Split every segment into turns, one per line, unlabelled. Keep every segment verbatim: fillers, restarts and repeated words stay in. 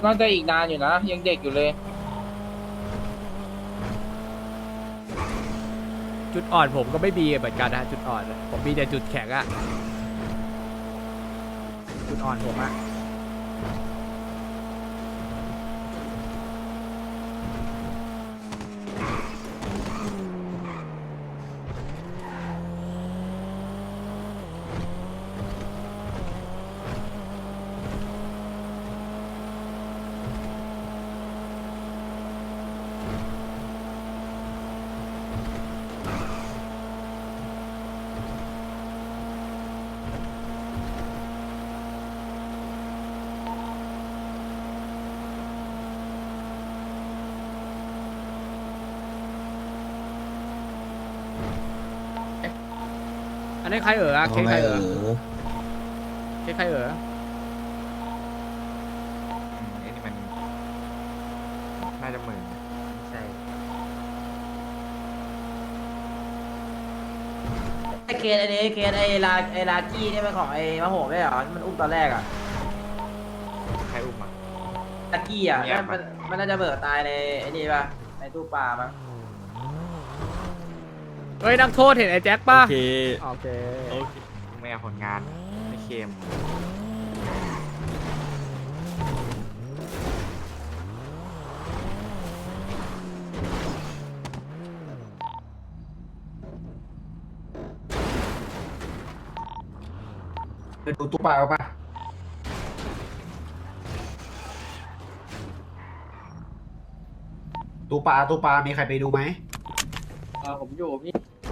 น่าจะอีกนานอยู่นะยังเด็กอยู่เลย
จุดอ่อนผมก็ไม่มีเหมือนกันนะจุดอ่อนผมมีแต่จุดแข็งอะจุดอ่อนผมอะอันนี้ใครเอ๋อเค้กใครเอ๋อเค้กใครเอ๋อ
ไอ้นี่มันน่าจะหมื่นไม่ใช่
ไอเคสไอนี้เคสไอลาไอลากี้นี่เป็นของไอมะโหไม่เหรอที่มันอุ้มตอนแรกอะ
ใครอุ้มอ่ะ
ลากี้อะ
เงียบ
มัน
ปะ
มันน่าจะเบิกตายในไอนี่ป่ะในตู้ปลาป่ะ
เฮ้ยนักโทษเห็นไอ้แจ็คป่ะ
โอเค
โอเค
โอเค
ไม่เอาผลงานไม่เค็ม
ไปดูตู้ปลาเอาปะตู้ปลาตู้ปลามีใครไปดูไหม
เออผมอยู่พี่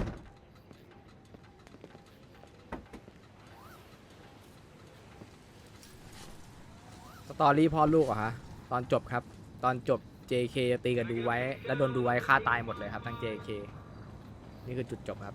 สตอรี่พ่อลูกเหรอะฮะตอนจบครับ ตอนจบ เจ เค จะตีกันดูไว้ แล้วโดนดูไว้ฆ่าตายหมดเลยครับทั้ง เจ เค นี่คือจุดจบครับ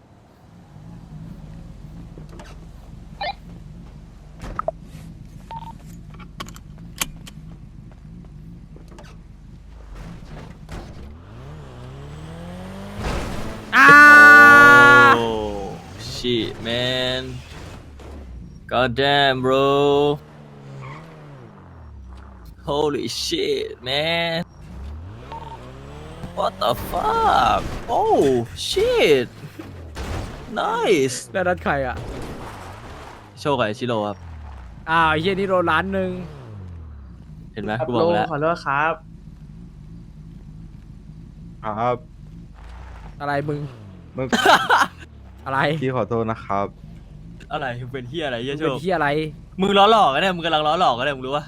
อ้า
โอ้ shit man god damn bro holy shit man what the fuck oh shit nice
แล้วนัดใครอ่ะ
โชคกับไอ้ชิโร่ครับ
อ้าวไอ้เฮียนี่โดนล้านหนึ่ง
เห็นไหมกูบอกแล้ว
ขอโทษครับ
ครับ
อะไรมึง
เมื่อ
อะไร
กี้ขอโทษนะครับ
อะไรเป็นเฮียอะไรเฮี
มึ
ย
ง
โช
เป็น
ค
เฮียอะไร
มึงล้อหลอกกันเนี่ยมึงกำลังล้อหลอกกันเนี่ยมึงรู้ปะ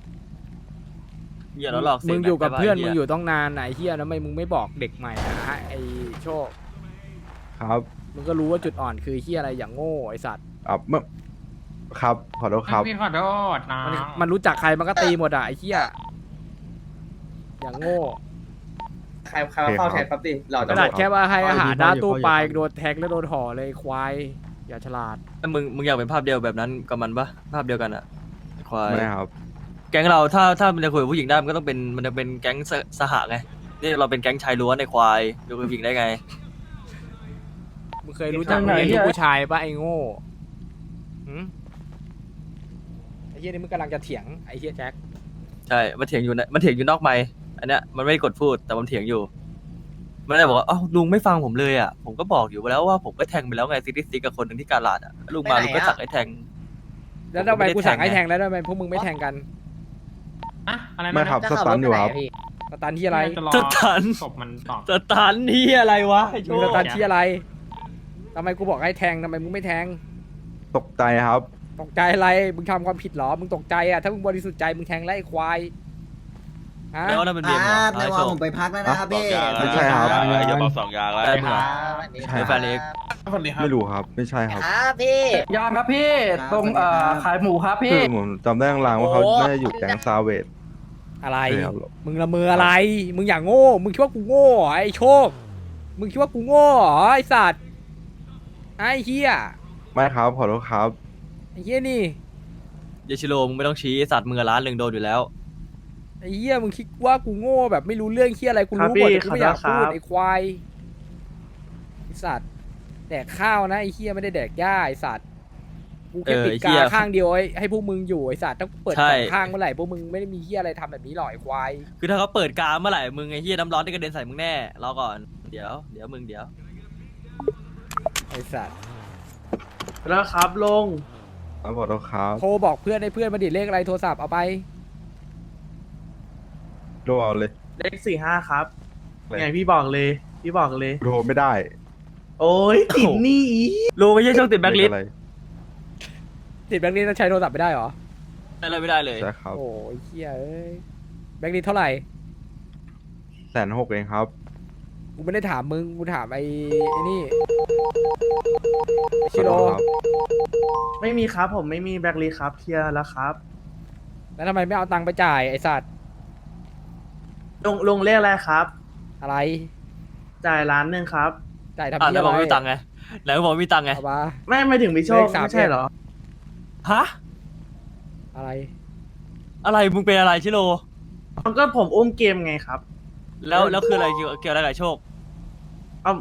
อย่าล้อหลอกเสี
มึ
ย
ง
ง
อยู่กับ
ได้ปะ
เพื่อน
ไหี้
มึงอยู่ต้องนานไหนเฮียนะทำไมมึงไม่บอกเด็กใหม่อะฮะไอโชค
ครับ
มึงก็รู้ว่าจุดอ่อนคือเฮียอะไรอย่างโง่ไอสัตว์
อ่ะเมื่อครับ ขอโทษครับ
พี่ขอโทษนะ
มันมันรู้จักใครมันก็ตีหมดอะไอเฮียอย่างโง่
ใครใครมาเฝ้าแทนครับดิเรา
ข
จะ
นาดแค่ว่าให้อาหารหน้าตู้ปลา
พ่ออยู่
โดนแทงแล้วโดนห่อเลยควายอย่าฉลาด
แล้วมึงมึงอยากเป็นภาพเดียวแบบนั้นกับมันปะภาพเดียวกันอะไอ้ควาย
ไม่ครับ
แก๊งเราถ้าถ้ามันจะคุยกับผู้หญิงได้มันก็ต้องเป็นมันจะเป็นแก๊งสสหะไงนี่เราเป็นแก๊งชายล้วนในควายจะคุยกับผู้หญิงได้ไง
มึงเคยรู้จักเรียนลูกผู้ชายปะไอโง่หืมไอเฮียนี่มึงกำลังจะเถียงไอเฮียแจ็ค
ใช่มันเถียงอยู่นะมันเถียงอยู่นอกไมค์อันเนี้ยมันไม่ได้กดพูดแต่มันเถียงอยู่มันเลยบอกว่าอ้าวลุงไม่ฟังผมเลยอ่ะผมก็บอกอยู่แล้วว่าผมก็แทงไปแล้วไงซิตี้ซิกกับคนหนึ่งที่กาลาดอ่ะลุงมาลุงก็สั่งให้แทง
แล้วทำไมกูสั่งให้แทงแล้วทำไมพวกมึงไม่แทงกัน
อะอะไรนะ
ไม่ครับสตันอยู่ครับ
สตันที่อะไร
จะรอ
สตัน
ศพมันตอบ
สตันนี่อะไรวะไอ้โช
มึง
ค
สตันที่อะไรทำไมกูบอกให้แทงทำไมมึงไม่แทง
ตกใจครับ
ตกใจอะไร มึงทำความผิดเหรอ มึงตกใจอ่ะ ถ้ามึงบริสุทธิ์ใจ มึงแทงไล่ควาย ฮะ
แล้วนั่นเป็นเบียร์เหรอ
ใน
ไอ้
วั
โช
น
ค
ผมไปพักแล้วนะครับพี่
ไม่ใช่ครับ
อย่าบอกสองอย่างแล้วได้เหมือน
ใช่
เป็น
ค
แฟ
รับ
นเอก
ไม่รู้ครับ ไม่ใช่ครับ
ครับพี่
ยามครับพี่
ครับ
ตรงเอ่อ
สวัสดีครับ
ขายหมูครับ
คื
พี่
อผมจำได้ลางๆว่าเขา
โอ้
น่าจะอยู่แก๊งซาเวด
อะไร
ใช่ครับ
มึงละเมออะไร มึงอย่างโง่ มึงคิดว่ากูโง่เหรอไอ้โชค มึงคิดว่ากูโง่เหรอไอ้สัตว์ ไอ้เฮีย
ไม่ครับ ขอโทษครับ
ไอ้เฮียนี่
เยชิโร่มึงไม่ต้องชี้ไอ้สัตว์มึงอะล้านหนึ่งโดนอยู่แล้ว
ไอ้เฮียมึงคิดว่ากูโง่แบบไม่รู้เรื่องเฮียอะไร กูรู้หมดแต่กูไม่อยากพูดไอ้ควาย ไอ้สัตว์ แดกข้าวนะไอ้เฮียไม่ได้แดกหญ้าไอ้สัตว์กูแค่
เออ
ปิด
ไอ้เหี้
กาย ข้างเดียวให้ให้พวกมึงอยู่ไอ้สัตว์ต้องเปิด
ใช่
สองข้างเมื่อไหร่พวกมึงไม่ได้มีเฮียอะไรทำแบบนี้หรอกไอ้ควาย
คือถ้าเขาเปิดกาเมื่อไหร่มึงไอ้เหี้ยน้ำร้อนได้กระเด็นใส่มึงแน่รอก่อนเดี๋ยวเดี๋ยวมึงเดี๋ยว
ไอ้สัตว์
แล้วครับลง
ครับขอโทษครับ
โทรบอกเพื่อนให้เพื่อนมาดิเลขอะไรโทรศัพท์เอาไป
โทรเอาเลย
เลขสี่ห้าครับ
อะไร
ไงพี่บอกเลย พี่บอกเลย
โทรไม่ได้
โอ้ยติดหนี่
ลุงไม่ใช่ช่องติดแบ็คลิสต์
อะไร
ติดแบงค์นี้ต้องใช้โทรศัพท์ไม่ได้เหรอ
อะไรไม่ได้เลย
ใช่ครับ
โอ้ยเฮียเอ้ยแบงค์นี้เท่าไหร่
แสนหกเองครับ
กูไม่ได้ถามมึงกูถามไอ้ไอ้นี่ไอ้
ขอ
ชิโร่
โทษครับ
ไม่มีครับ ผมไม่มีแบล็คลิสต์ครับเคลียร์แล้วครับ
แล้วทำไมไม่เอาตังค์ไปจ่ายไอ้สัตว์
ลงลงเลขอะไรครับ
อะไร
จ่ายล้านหนึ่งครับ
จ่ายทำ
อ่ะ
เฮี
แล้
ยว
บอก
อะไร
ไม่มีตังค์ไงไหนบอกไม่มีตังค์ไง
เอามา
ไม่ไม่ถึงพี่โชค
เลขสาม
ไม่ใช่เหรอ
ฮะ
อะไร
อะไรมึงเป็นอะไรชิโร่
มันก็ผมอุ้มเกมไงครับ
แล้วแล้วคืออะไรเกี่ยวเกี่ยวอะไรกับโชค
เอา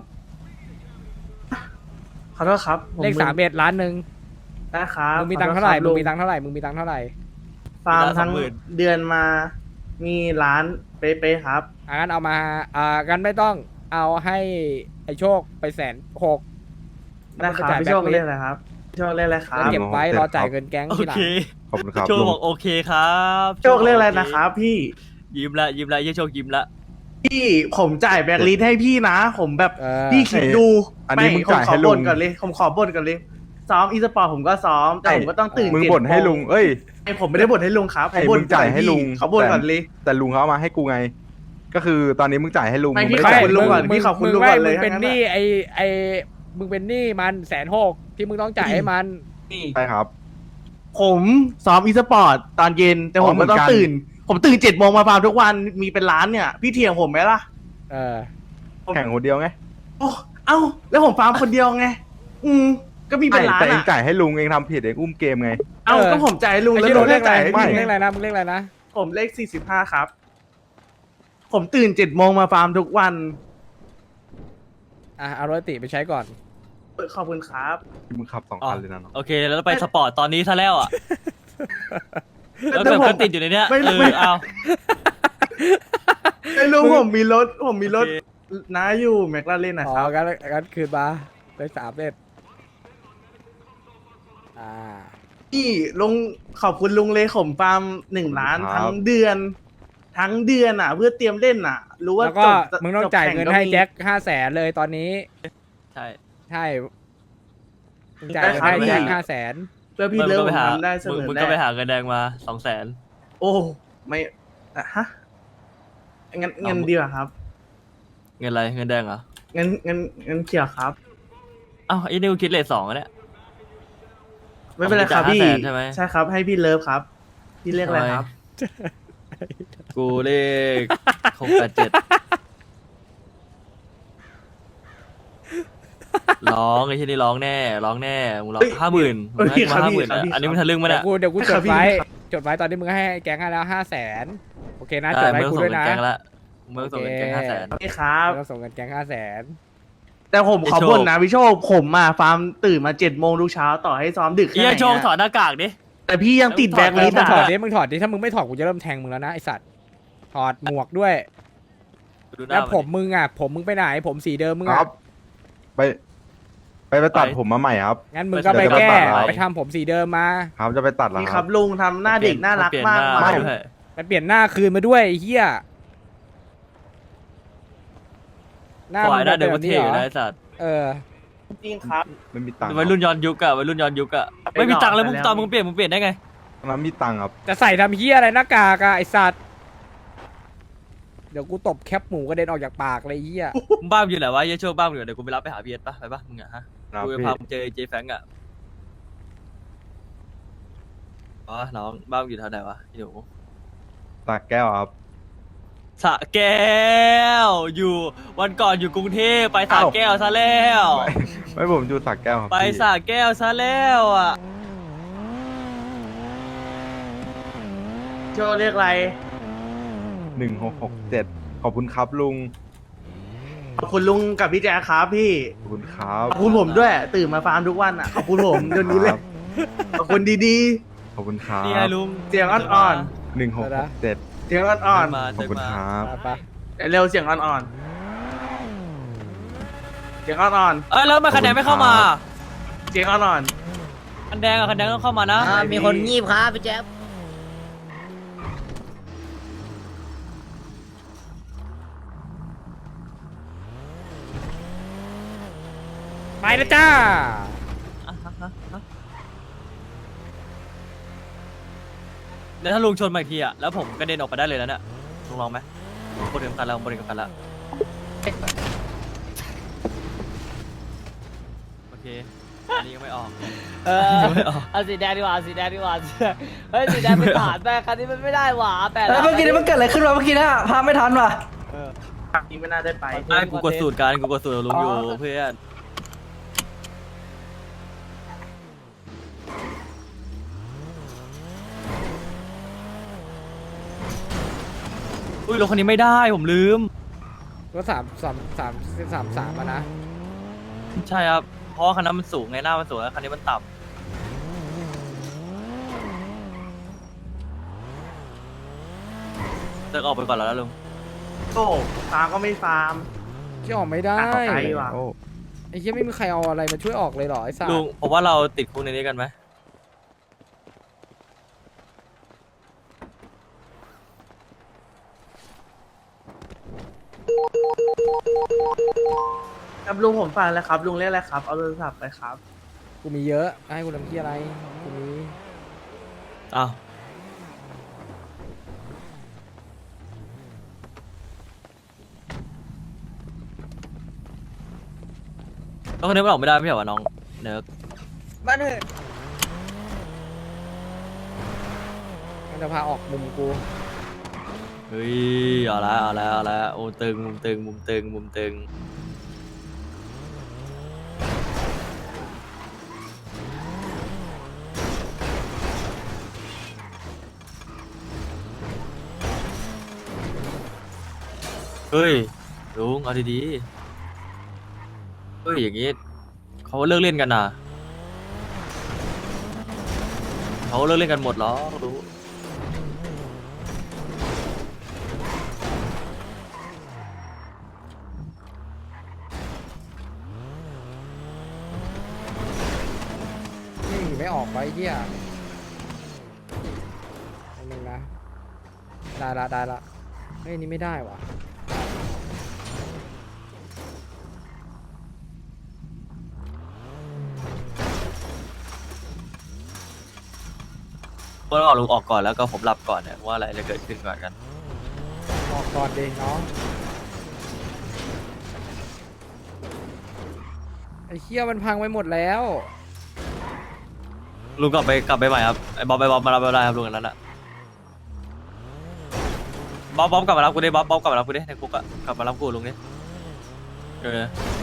ขอโทษครับผ
เลขสามเอ็ดล้านหนึ่ง
ได้ครับ
มึงมีตังค์เท่าไหร่
ขอโท
มึ
ษ
ง
คบ
มีตังค์เท่าไหร่มึงมีตังค์เท่าไหร่
ฟาร์ม
มีละ
ทั้ง
สองหมื่น
เดือนมา มีล้านเป๊ะๆครับ
อ่ะงั้นเอามาอ่ากันไม่ต้องเอาให้ไอ้โชคไปแสนหก
ได้ครับพี่โชคเล่นอะไรครับพี่โชคเล่นอะไรครั
แล้ว
บ
เก็บไว้
ครับ
รอจ่ายเงินแก๊ง
โอ
ทีหลัง
เค
ขอบคุณครับ
โชค
ลุง
บอกโอเคครับ
โชคเล่นอะไรนะครับ พี่
ยิ้มละยิ้มละยี่โชคยิ้มละ
พี่ผมจ่ายแบล็คลิสต์ให้พี่นะ ผมแบบ
เออ
พี่คิดดู
อันนี้มึง
ผม
จ่าย
ขอ
ให้ลุ
บ่
ง
นก่อนเลย ผมขอบ่นก่อนเลย ซ้อมอีสปอร์ตผมก็ซ้อม แต่ผมก็ต้องตื่น
มึง
เจ็ด
บ่นให้
โม
ลุง เอ้ย
ไอผมไม่ได้บ่นให้ลุงครับ
ไอ้
ผมบ่น
มึงจ่ายให้ลุง
เขาบ่นก่อนเลย
แต่ลุงเขาเอามาให้กูไง ก็คือตอนนี้มึงจ่ายให้ลุง
ไม่
มึง
พี่
ไม่ได้
ขอบ
จ่าย
คุณลุงก่อน
มึ
พี่ขอบคุณ
มึ
ลุง
ไม่
ก่อนเลย
มึงเป็น
ทั้งนั้น
หนี้
อะ
ไอ้ไอ้มึงเป็นหนี้มันแสนหกที่มึงต้องจ่ายให้มัน
ใช่ครับ
ผมซ้อมอีสปอร์ตตอนเย็น แต่
อ๋
ผ
อ
มก็ต้อง
เหมือนกัน
ตื่น ผมตื่นเจ็ดโมงมาฟาร์มทุกวันมีเป็นล้านเนี่ย พี่เถียงผมไหมล่ะ
เออ
แข่งคนเดียวไง
โอ้เอ้า แล้วผมฟาร์มคนเดียวไง อืมก็มีเป็นล้าน
แต่เอง
อ่ะ
จ่ายให้ลุงเองทำผิดเองอุ้มเกมไง
เอ้า
เออ
ก็ผมจ่ายให้ลุง
ไอ้
แล้ว
ชิ
ลุ
โร่
ง
เล
ไม่
ขอะไร
จ่ายให้
มึ
พี่
งเล
ไง
ขอะไรนะมึงเลขอะไรนะ
ผมเลขสี่สิบห้าครับ ผมตื่นเจ็ดโมงมาฟาร์มทุกวัน
อ่ะเอาโรติไปใช้ก่อน
ขอบคุณครับ
มึงขับสอง
อ๋อ
คันเลยนะน้อง
โอเคแล้วไปสปอร์ตตอนนี้ซะแล้วอ่ะแล้ว
แต่
แบบ
ผม
ก็ติดอยู่ในเนี้ย
ไม่
เอ
ไม่
อเอา
ไอ้ลุงผมมีรถ ผมมีรถ
โอเค
น้าอยู่แมคลาเรนนะ
อ๋อ
ครับ
กันกันคืนมาไปสามเอ็ดอ่า
พี่ลุงขอบคุณลุงเลยผมฟาร์มหนึ่งล้านทั้งเดือน ทั้งเดือนอ่ะ เพื่อเตรียมเล่นอ่ะ รู้ว่า
แล้วก็
จบ
มึงต้อง
จบ
จ่าย
ข่
เงิน
ก็
ให้
มี
แจ็คห้าแสนเลยตอนนี้
ใช่
ใช่มึงจ่ายเงินให้แจ็คห้าแสน
เพื่อพี่
มึง
เลิก
ก็
ผ
ไป
ม
หา
ทำได้เส
มึง
มอ
มึง
ได้
ก็ไปหาเงินแดงมาสองแสน
โอ้ไม่อะฮะงั้น
เอา
เงินดีกว่าครับ
เงินอะไรเงินแดงเหรอ
เงินเงินเงินเขียวครับ
อ้าวไอ้นี่กูคิดเลทสองอะเนี่ย
ไม่เป็นไรครับ
ผมจะ
พี่
ห้าแสนใช่ไหม
ใช่ครับ ให้พี่เลิฟครับ พี่เรียกอะไรครับ
กูเลขหกแปดเจ็ดร้องไอ้ที่นี่ร้องแน่ร้องแน่มึงร้อง
เฮ้ย
ห้าหมื่น
เฮ้ย
มึงให้กู
ครับ
ห้า
พี่
หมื่น
ครับพี่
อันนี้มึงทะลึ่งมา
เดี๋
เนี่ย ย
วกูเดี๋ยวกู
ค
จ
รับ
ด
พี่
ไว้
ครับ
จดไว้ตอนนี้มึงให้แก๊งให้แล้วห้าแสนโอเคนะจ
ได้
ดไว้
ไม่ต้อง
กู
ส่ง
ด้วย
เงิน
นะ
แกงละไม่ต้องส่งเงินแกงห้าแสน
นี่ครับ
ไม่ต้องส่งเงินแก๊งห้าแสน
แต่ผมขอ
ไอ้โชค
บ่นนะพี่โชค ผมมาฟาร์มตื่นมาเจ็ดโมงทุกเช้าต่อให้ซ้อมดึก
เอี
แค่
ย
ไหน
โชงถอ
อะ
ดหน้ากากดิ
แต่พี่ยังติด
ถอด
แบล็คลิสต์
มึงถอด
อะ
ดิมึงถอดดิถ้ามึงไม่ถอดกูจะเริ่มแทงมึงแล้วนะไอสัตว์ถอดหมวกด้วย
ดูหน้า
แล้ว
น
ผมมึงอ่ะผมมึงไปไหนผมสีเดิมมึง
ค
อ่ะ
รับ ไป ไปไปตัดผมมาใหม่ครับ
งั้นมึงก็ไป
เดี๋ยวจะ
แก้
ตัดเอา
ไปทำผมสีเดิมมา
ครับจะไปตัดเหรอ
นี่
ค
ค
รั
รับ บลุงทำหน้าเด็กน่ารักมาก
เปลี่ยนหน้
มาก
ด้วย
ไปเปลี่ยนหน้าคืนมาด้วยไอ้เฮียหน้า
ปล่อยหน้า
มึ
เดิ
ง
ม
ป็
ก็
น
เท่อยู่
หร
นะไอ้สัตว์
เออ
จริงครับ
ไม่มีตังค์
วัยรุ่นย้อนยุคอะวัยรุ่นย้อนยุคอะไม่มีตังค์เลยมึงตอนมึงเปลี่ยนมึงเปลี่ยนได้ไง
ตอนนั้นมีตังค์ครับ
จะใส่ทำเฮียอะไรหน้ากากอะไอสัตว์เดี๋ยวกูตบแคปหมูกระเด็นออกจากปากเลยไอ้เฮีย
มึงบ้าอยู่ไหนวะเหี้ยโชคบ้าอยู่ไหนเดี๋ยวกูไปรับไปหาพีเอสปะไปปะมึงอะฮะ
ครับ
กูจะ
พี่
พามึงเจอเจแฟงอะอ๋อน้องบ้านมึงอยู่แถวไหนวะพี่หนู
ตากแก้วครับ
สระแก้วอยู่วันก่อนอยู่กรุงเทพไปสระ
อ้าว
แก้วซะแล้ว
ไม่ผมอยู่ตากแก้วครับ
ไป
พี่
สระแก้วซะแล้วอะ
โชว์เรียกอะไร
หนึ่งหกหกเจ็ดขอบคุณครับลุง
ขอบคุณลุงกับพี่แจ๊คครับพี่
ขอบคุณครับ
ขอบคุณผมด้วย ตื่นมาฟาร์มทุกวันอ่ะ ขอบคุณผมเดี๋ยวนี้เลย
ครับ
ขอบคุณดี
ขอบคุณครับ
นี่ไงลุง
ๆ เสียงอ่อน
หนึ่งหกหกเจ็ด
ๆ เสียงอ่อน
มา
ขอบคุณครับ
ไป
ๆ เร็วเสียงอ่อนๆ เสียงอ่อน
เอ้ยแล้วทำไมคะแนนไม่เข้ามา
ๆ เสียงอ่อน
คันแดงอะคันแดงต้องเข้ามานะ
อ่ามีคนงีบครับพี่แจ๊บ
ไปแล้วจ้า
เดี๋ยวถ้าลุงชนมาอีกทีอะแล้วผมกระเด็นออกไปได้เลยแล้วเนี่ยลุงลองไหมบนเข็มขัดแล้วบนเข็มขัดแล้วโอเคอันนี้ก็ไม่ออก
เออเอาสีแดงดีกว่าเอาสีแดงดีกว่าเฮ้ยสีแดงเป็นฐานแม่คันนี้มันไม่ได้หว่าแปด
แล้วเมื่อกี้นี่มันเกิดอะไรขึ้นวะเมื่อกี้นะพาไม่ทันว่ะ
ๆอันนี้ไม่น่าได้ไป
ไอ้กูกดสูตรการกูกดสูตรกับลุงอยู่เพื่อนอุ้ยรถคันนี้ไม่ได้ผมลืม
ก็สามสามสามสามสามอะนะ
ใช่ครับเพราะว่าคันนั้นมันสูงไงหน้ามันสูงแล้วคันนี้มันต่ำเลิกออกไปก่อนแล้วนะลุง
โอ้ฟาร์มก็ไม่ฟาร์ม
ที่ออกไม่ได้
อ่ะต่อไป ว่ะ
โอ้
ไอ้เหี้ยไม่มีใครเอาอะไรมาช่วยออกเลยเหรอไอ้สัส
ลุงผมว่าเราติดคุกในนี้กันไหม
ครับลุงผมฟังแล้วครับ ลุงเรียกอะไรครับ เอาโทรศัพท์ไปครับ
กูมีเยอะให้กูทำที่อะไรกูมี
อ้าวแล้วคนนี้มันออกไม่ได้ไม่ใช่เหรอวะน้องเนิร์ก
บ้านเถอะ
มันจะพาออกมุมกู
เฮ้ยเอาละเอาละเอาละโอ้ตึงมุมตึงมุมตึงมุมตึงเฮ้ยลุงเอาดีๆเฮ้ยอย่างงี้เขาเลิกเล่นกันนะเขาเลิกเล่นกันหมดเหรอรู้
นี่ไม่ออกไปเหี้ยอันนึงนะได้ละได้ละเฮ้ยอันนี่ไม่ได้ว่ะ
ก็ต้องเอาลุงออกก่อนแล้วก็ผมหลับก่อนเนี่ยว่าอะไรจะเกิดขึ้นก่อนกัน
ออกก่อนดิน้องไอ้เหี้ยมันพังไปหมดแล้ว
ลุงกลับไปกลับไปใหม่ครับไอ้บ๊อบไปบ๊อบมารับเราได้ครับลุงอันนั้นอะบ๊อบบ๊อบกลับมารับกูดิบ๊อบบ๊อบกลับมารับกูดิในคุกอะกลับมารับกูลุงดิเออ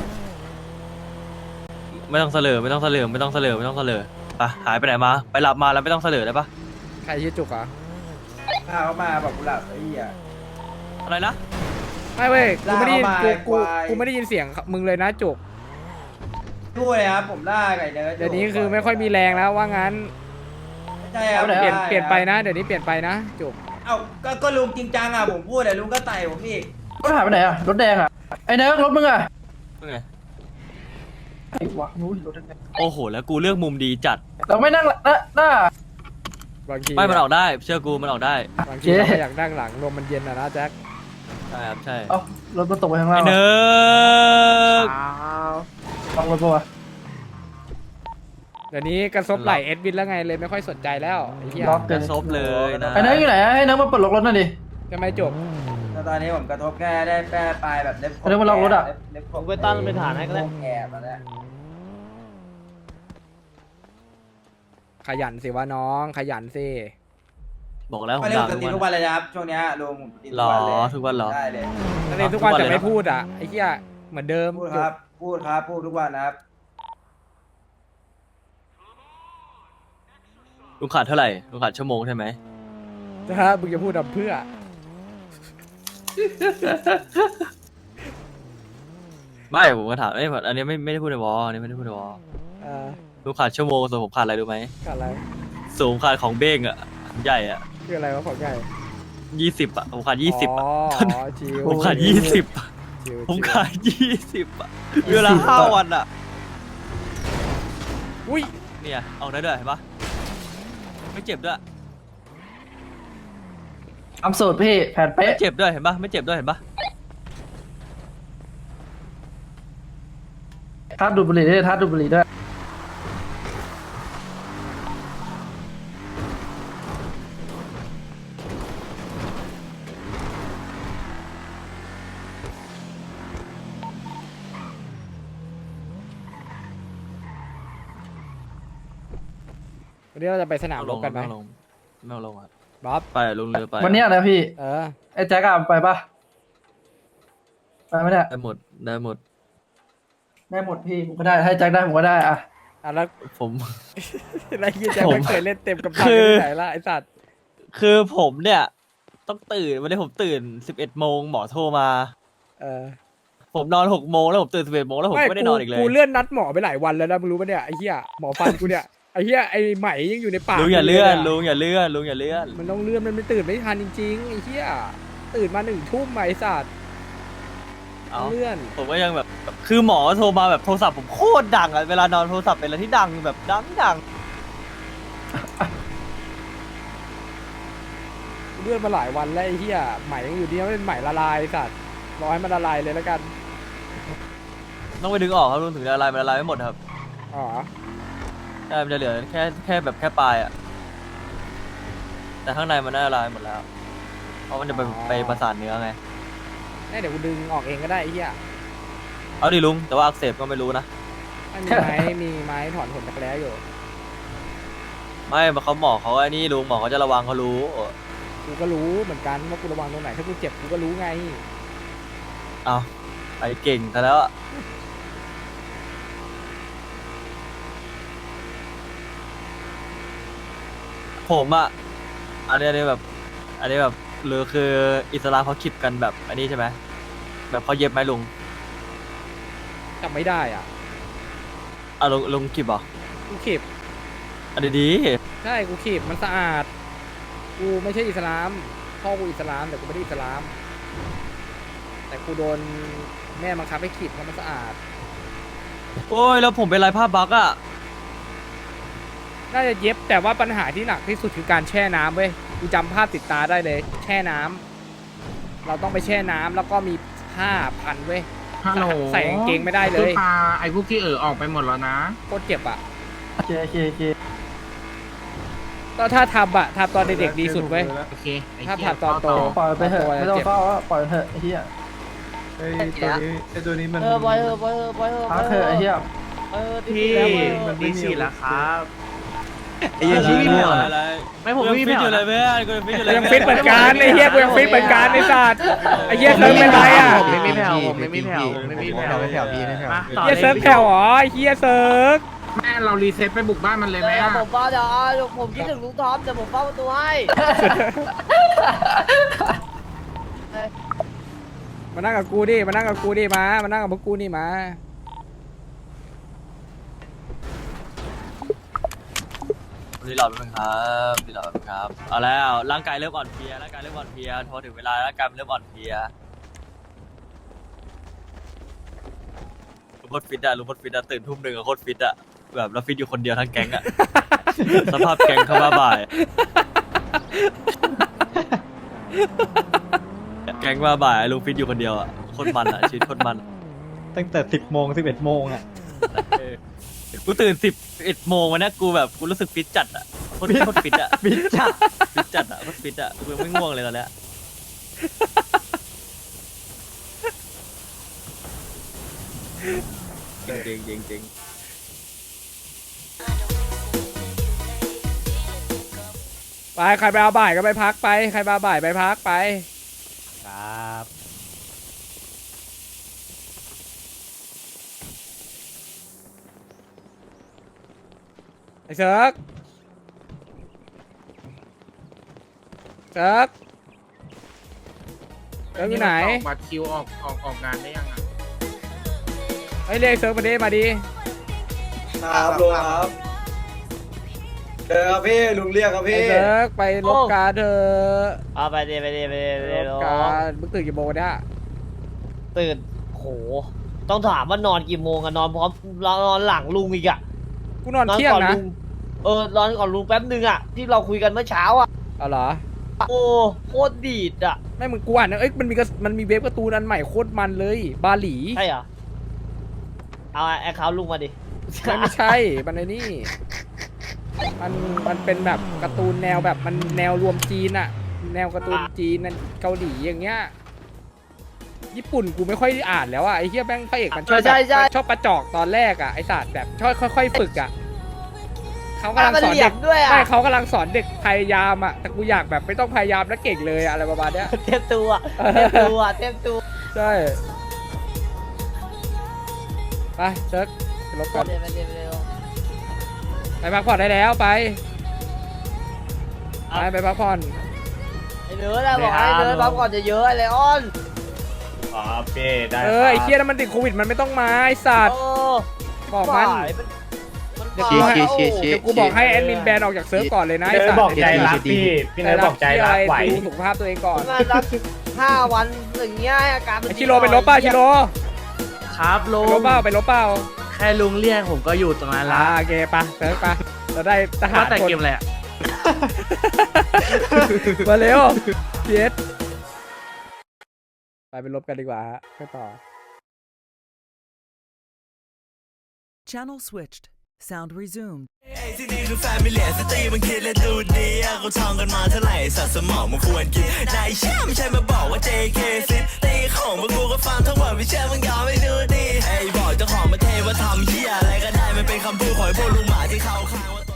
ไม่ต้องเสลอไม่ต้องเสลอไม่ต้องเสลอไม่ต้องเสลอไปหายไปไหนมาไปหลับมาแล้วไม่ต้องเสลอได้ปะ
ใครชื่อจุกอ่ะ
พาเขามาบอกกูหลับไอ้เหี้ย
อะไรนะ
ไม่เว้ยกูไม่ได้ยิน
ลาก
กู
เข้ามา
กู
ควาย
กูไม่ได้ยินเสียงมึงเลยนะจุก
ด้วยครับผมล่าไก่เนื้อ
เดี๋ยวนี้คือไม่ค่อยมีแรงแล้วว่างั้น
ใช่ครับ
เปลี่ยนเปลี่ยนไปนะเดี๋ยวนี้เปลี่ยนไปนะจุก
เอ้าก็ก็ลุงจริงจังอ่ะผมพูดแต่ลุงก็ไต่ผมอีก
รถหายไปไหนอะรถแดงอะไอ้เนิร์กรถมึงอะ
ว่าไง
ไอ้วะนู้นรถแดง
โอ้โหแล้วกูเลือกมุมดีจัด
เราไม่นั่งหลังหน้าหน้า
บางที
ไม่มันออกได้เชื่อกูมันออกได้
บางที
เจ๊
เราก็อยากนั่งหลังลมมันเย็นนะนะแจ็ค
ใช่ครับใช่
เอ้ารถมันตกไปข้างล่า
ไอ้
ง
เนิร์ก
ลองรถปะวะ
เดี๋ยวนี้กระซบไหลเอ็ดวินแล้วไงเลยไม่ค่อยสนใจแล้วไอ้เหี้ย
ล็อก
ก
เกิน
ระซบเลยนะ
ไอ้เนิร์กอยู่ไหนอะให้เนิร์กมาเปิดล็อกรถหน่อยดิ
ทำไมจุก
แล้วตอนนี้ผมกระทบแค่ได้แป้ปลายแบบเล็บ
เรื่องมันล็อกรถอะ
เล็บ
ผมไปตั้งเป็นฐานให้ก็ได้
แอบมาแล้ว
ขยันสิวะน้องขยันสิ
บอกแล้วผม
ไม่ได้
ด่า
ผม
ทุ
ตี
ก
ทุก
วั
วัน นเลยนะครับช่วงเนี้ยลุงผมตี
หรอ
ทุกวันเลย
ทุกวันเหรอ
ได้เลย
นั่นเองทุกวัน
ทุกวัน
แต่
เลย
ไม่
นะ
พูดอ่ะไอ้เหี้ยเหมือนเดิม
พูด
จุ
ค
ก
รับพูดครับพูดทุกวันนะครับ
ลุงขาดเท่าไหร่ลุงขาดชั่วโมงใช่ไหม
ถ้ามึงจะพูดทำเพื่อ
ไม่ผมก็ถามเอ้ยอันนี้ไม่ไม่ได้พูดในวอลอันนี้ไม่ได้พูดในวอล
อเออ
ลุงขาดชั่วโมงส่วนผมขาดอะไรรู้ไหม
ขาดอะไร
สูงขาดของเบ้งอ่ะใหญ่อ่ะ
คืออะไรวะของใหญ่
ยี่สิบอ่ะผมขาดยี่สิบ
อ๋
อ่ะ
อชิว
ผมขาดยี่สิบ
ชิว
ผม
ชิว
ขาดยี่สิบอ่ะเวลาห้าวันอ่ะ
อุ้ย
เนี่ยเอาได้ด้วยเห็นปะไม่เจ็บด้วย
ทำสูตรพี่แผนเป๊ะ
ไม่เจ็บด้วยเห็นปะไม่เจ็บด้วยเห็นปะ
ทัดดูดบุหรี่ด้วยทัดดูดบุหรี่ด้วย
วันนี้เราจะไปสนามรบกันไหม
ไม่เอาลงไม่เอาลงครับ
บ๊อบ
ไปลงเรือไป
วันเนี้ยนะพี่
เออ
ไอ้แจ็คอะไปปะไปไม่ได้
ได้หมดได้หมด
ได้หมดพี่ผมก็ได้ให้แจ็คได้ผมก็ได้อะ
อ่ะแล้ว
ผม
แล้วยี่แจ็ค
ผม
ไม่เคยเล่นเต็มกับตัน
คือ
ที่ไหนล่ะไอ้สัตว์
คือผมเนี่ย ต้องตื่นวันนี้ผมตื่นสิบเอ็ดโมงหมอโทรมา
เออ
ผมนอนหกโมงแล้วผมตื่นสิบเอ็ดโมงแล้วผมก็ไม่ได้นอนอีกเลย
กูเลื่อนนัดหมอไปหลายวันแล้วนะมึงรู้ปะเนี่ยไอ้เหี้ยหมอฟันกูเนี่ยไอ้เหี้ยไอ้ไหมยังอยู่ในปาก
ลุงอย่าเลื่อน
กู
ลุงอย่าเลื่อนลุงอย่าเลื่อน
มันต้องเลื่อนมันไม่ตื่นไม่ทันจริงๆไอ้เหี้ยตื่นมาหนึ่งทุ่มไหมไอ้สัตว์
เอา
เลื่อน
ผมก็ยังแบบ คือหมอโทรมาแบบโทรศัพท์ผมโคตรดังอะเวลานอนโทรศัพท์เป็นอะไรที่ดังแบบดังดัง
เลื่อนมาหลายวันแล้วไอ้เหี้ยไหมยังอยู่ดีไม่เป็นไหมละลายไอ้สัตว์รอให้มันละลายเลยแล้วกัน
ต้องไปดึงออกครับลุงถึงจะละลายมันละลายไม่หมดครับ
อ๋อ
ใช่มันจะเหลือแค่แค่แบบแค่ปลายอะแต่ข้างในมันน่าละลายหมดแล้ว เพราะมันจะไปไปประสานเนื้อไง
เดี๋ยวกูดึงออกเองก็ได้ไอ้เหี้ย
เอาดิลุงแต่ว่าอักเสบก็ไม่รู้นะ
ไม่มีไม้ มีไม้ถอนขนจักรแร้อยู่
ไม่เขาหมอเขาไอ้นี่ลุงหมอเขาจะระวังเขารู้
กูก็รู้เหมือนกันว่ากูระวังตรงไหนถ้ากูเจ็บกูก็รู้ไง
เอาไปเก่งแต่แล้วอะผมอะอันนี้อันนี้แบบ อันนี้แบบหรือคืออิสลามเขาคิดกันแบบอันนี้ใช่ไหมแบบเขาเย็บไหมลุง
จำไม่ได้อ่ะ
อ่ะลุงลุงคิดเหรอ
กูขีบ
อันนี้ดี
ใช่กูขีบมันสะอาด กูไม่ใช่อิสลามพ่อกูอิสลามแต่กูไม่ได้อิสลาม แต่กูโดนแม่บังคับให้ขีบเพราะมันสะอาด
โอ้ยแล้วผมเป็นไรภาพบักอะ
น่าจะเย็บแต่ว่าปัญหาที่หนักที่สุดคือการแช่น้ำเว้ยกูจำภาพติดตาได้เลย แช่น้ำเราต้องไปแช่น้ำแล้วก็มีผ้าพันเว้ย
ฮัลโหล
ใส่กางเกงไม่ได้เลย
ปลาไอ้พวกที่เออออกไปหมดแล้วนะ
โคตรเจ็บอ่ะ
โอเคโอเคโอเค
ก็ถ้าทำอะทำตอนเด็กๆดีสุดเว้ย
โอเคไอ้
ถ้า
เหี้ย
ผ่านตอนโต
ปล่อยไปเถอะ
ตัว
ไม่ต้อง
เจ็บ
เฝ้าอะปล่อยไปเถอะไอ้เหี้ย
ไอ้ตัวนี้ไอ้ตัวนี้มัน
เออปล่อยเออปล่อยเออปล่อยเออ
พักเถอะไอ้เหี้ย
เออ
พี่
แล้วเออ
ดีสี่แล้วครับ
ไอ้ยัง
พี่ไม่เอา
อะไร
ไม่ผม
กู
พี่
ยังฟิ
ไม่
ตอยู่เล
เอา
ยเพื่อนกูยังฟิตอยู่เลย
ยังฟิตเหมือนกันไอ้เหี้ยกูยังฟิตเหมือนกันไอ้สัตว์ไอ้เหี้ยเซิร์ฟเป็นไรอ่ะ
ผมไม่มีแผ่วผมไม่มีแผ่วผมไม่มีแผ่ว
ไม่แผ่วพี่ไม่แผ่ว
มาต่อ
เหี้ย
ล
เซิร์ฟแผ่วเหรอไอ้เหี้ยเซิร์ฟ
แม่เรารีเซ็ตไปบุกบ้านมันเลยไหม
เดี๋ยว
อะ
ผมเฝ้าเดี๋ยวเอาผมคิดถึงลุงท็อปเดี๋ยวผมเฝ้าประตูให้
มานั่งกับกูดิมานั่งกับกูดิมามานั่งกับพวกกูนี่มา
รีหลอดแป๊บนึงครับรีหลอดแป๊บนึงครับเอาแล้วร่างกายเริ่มอ่อนเพลียร่างกายเริ่มอ่อนเพลียพอถึงเวลาร่างกายมันเริ่มอ่อนเพลียลุงโคตรฟิตอะลุงโคตรฟิตอะตื่นทุ่มหนึ่งอะโคตรฟิตอะแบบเราฟิตอยู่คนเดียวทั้งแก๊งอะ สภาพแก๊งเข้ามาบ่าย แก๊งมาบ่ายลุงฟิตอยู่คนเดียวอะโคตรมันอะชีวิตโคตรมัน
ตั้งแต่สิบโมงสิบเอ็ดโมงอ่ะ
เออกูตื่นสิบเอ็ดโมงวันนี้กูแบบกูรู้สึกฟิตจัดอะโคตรโคตรฟิตอะ
ฟิตจัด
ฟิตจัดอะโคตรฟิตอะกูยังไม่ง่วงเลยตอนเนี้ยจริงจริงจริงจริง
ไปใครไปเอาบ่ายก็ไปพักไปใครไปเอาบ่ายไปพักไป
ครับ
ไอ้เซิร์กเซิร์กเซิร์กอยู่ไหน
ออกบัตรคิวออกออกออกงานได้ยังอ่ะ
เฮ้ยเรียกเซิร์กมาดิมาดิ
ครับลุงครับเจอครับพี่ลุงเรียกครับ
ไอ้
พี่
เซิร์กไปลบการเถอะ
เอาไปดิไปดิไปดิไป
ล
ดิ
บการมึงตื่นกี่โมงเนี่ย
ตื่นโหต้องถามว่านอนกี่โมงอะนอนพร้อมนอนหลังลุงอีกอะ
กูนอนเที่ยง
ก่อน
นะ
ลุงเออนอนก่อนลุงแป๊บนึงอะที่เราคุยกันเมื่อเช้าอะ
เอาเหรอ
โอ้โคตรดีดอะ
ไม่มึงกูอ่านนะเอ้ยมันมีกระมันมีเว็บการ์ตูนอันใหม่โคตรมันเลยบาหลี
ใช่เหรอเอาแอคเคาท์ลุงมาดิ
ไม่ไม่ใช่มันไอ้นี่มันมันเป็นแบบการ์ตูนแนวแบบมันแนวรวมจีนอะแนวการ์ตูนจีนนั่นเกาหลีอย่างเงี้ยญี่ปุ่นกูไม่ค่อยได้อ่านแล้วอะไอ้เหี้ยแม่งพระเอกมันชอบแบบมันชอบประจอกตอนแรกอะไอ้ศาสตร์แบบชอบค่อยๆฝึกอะเขากำลัง
มัน
สอน
เหลี่ย
เด็
ม
ก
ด้วยอะ
ไม่เขากำลังสอนเด็กพยายามอะแต่กูอยากแบบไม่ต้องพยายามแล้วเก่งเลยอะอะไรประมาณเนี้ย
เต็มตัวเต็มตัวเต็มตัว
ใช่ไปเซิร์กไปลบก่อน
เดี๋ยวไปเดี๋ยวไปเดี๋ยว
ไปพักผ่อนได้แล้วไปไปไปพักผ่อน
ไอ้เนื้อนะบอกให้เนื้อปั๊มก่อนจะเยอะไอ้เลออน
ครับพี่ได้
เออไอ้เคียนั้นมันติดโควิดมันไม่ต้องมาไอ้สัตว์
โอ้
บอกมัน
ฝ่ายมันมัน
เดี๋ยว
ฝ่าย
กูให้
โอ้
เดี๋ยวกูบอกให้แอดมินแบนออกจากเซิร์ฟก่อนเลยนะ
พี่
ไอ้
เนิ
สั
ร์
ต
ด
ว์
บอกใจรักพี่ พี่เนิร์ดบอกใจรักไหว
ดูสุขภาพตัวเองก่อน
งานรักห้าวันอย่างเงี้ยอาการมัน
ไอ้ชิโร่ไปลบเป้าชิโร่
ครับลุ
ไปลบ
ง
เป้าไปลบเป้า
แค่ลุงเรียกผมก็อยู่ตรงนั้น
อ่า
ละ
โอเคปะเซิร์ฟปะเราได้ทหาร
ว่าแต่
คน
เกมอะไรอะ
มาเร็วพีเอสไปไปลบกันดีกว่าฮะไปต่อ
Channel switched. Sound resumed.
ที่นี่คือแฟมิเลียสตรีมันคิดและดูดีเขาท่องกันมาเท่าไหร่สัตว์สมองมันควรกินนายเชื่อไม่ใช่มาบอกว่า เจ เค ซิตีของมันกูก็ฟังทั้งหมดไม่เชื่อมึงยอมไม่ดูดีไอ้บอกเจ้าของประเทศว่าทำเหี้ยอะไรก็ได้มันเป็นคำพูดของไอ้พวกลุงหมาที่เขาข้างว่า